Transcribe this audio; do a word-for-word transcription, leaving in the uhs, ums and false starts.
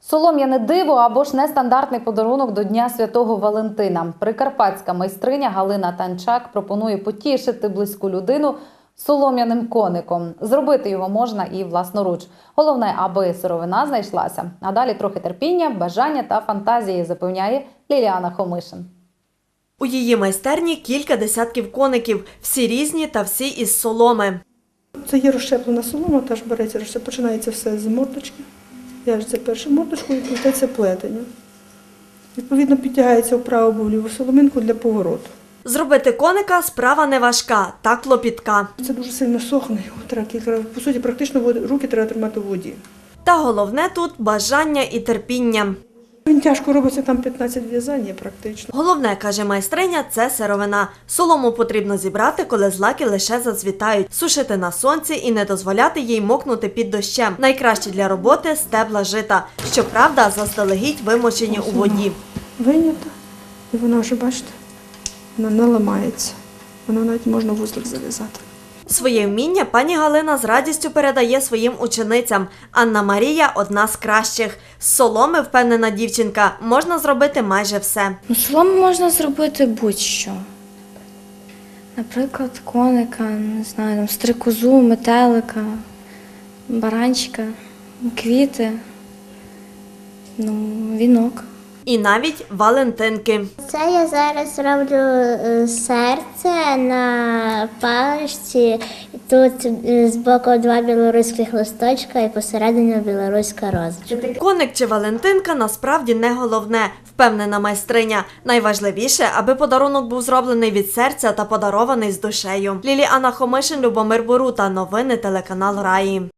Солом'яне диво або ж нестандартний подарунок до Дня Святого Валентина. Прикарпатська майстриня Галина Танчак пропонує потішити близьку людину солом'яним коником. Зробити його можна і власноруч. Головне, аби сировина знайшлася. А далі трохи терпіння, бажання та фантазії, запевняє Ліліана Хомишин. У її майстерні кілька десятків коників, всі різні та всі із соломи. Це є розщеплена солома, теж береться, розщеп- починається все з мордочки. В'яжеться першу мордочку і плететься плетення. Відповідно, підтягається вправо або вліву соломинку для повороту. Зробити коника – справа не важка, та клопітка. Це дуже сильно сохне, його треба кілька, по суті, практично води- руки треба тримати в воді. Та головне тут – бажання і терпіння. Він тяжко робиться, там п'ятнадцять в'язань є практично. Головне, каже майстриня, це сировина. Солому потрібно зібрати, коли злаки лише зацвітають, сушити на сонці і не дозволяти їй мокнути під дощем. Найкраще для роботи – стебла жита. Щоправда, заздалегідь вимочені у воді. Вийнята, і вона вже, бачите, вона не ламається. Вона навіть можна вузлик зав'язати. Своє вміння пані Галина з радістю передає своїм ученицям. Анна Марія – одна з кращих. З соломи, впевнена дівчинка, можна зробити майже все. Ну, солому можна зробити будь-що. Наприклад, коника, не знаю, там, стрикозу, метелика, баранчика, квіти, ну, вінок. І навіть валентинки. Це я зараз роблю е, серце на паличці. Тут е, збоку два білоруських листочка і посередині білоруська роза. Коник чи валентинка насправді не головне, впевнена майстриня. Найважливіше, аби подарунок був зроблений від серця та подарований з душею. Ліліана Хомишин, Любомир Борута. Новини телеканал Раї.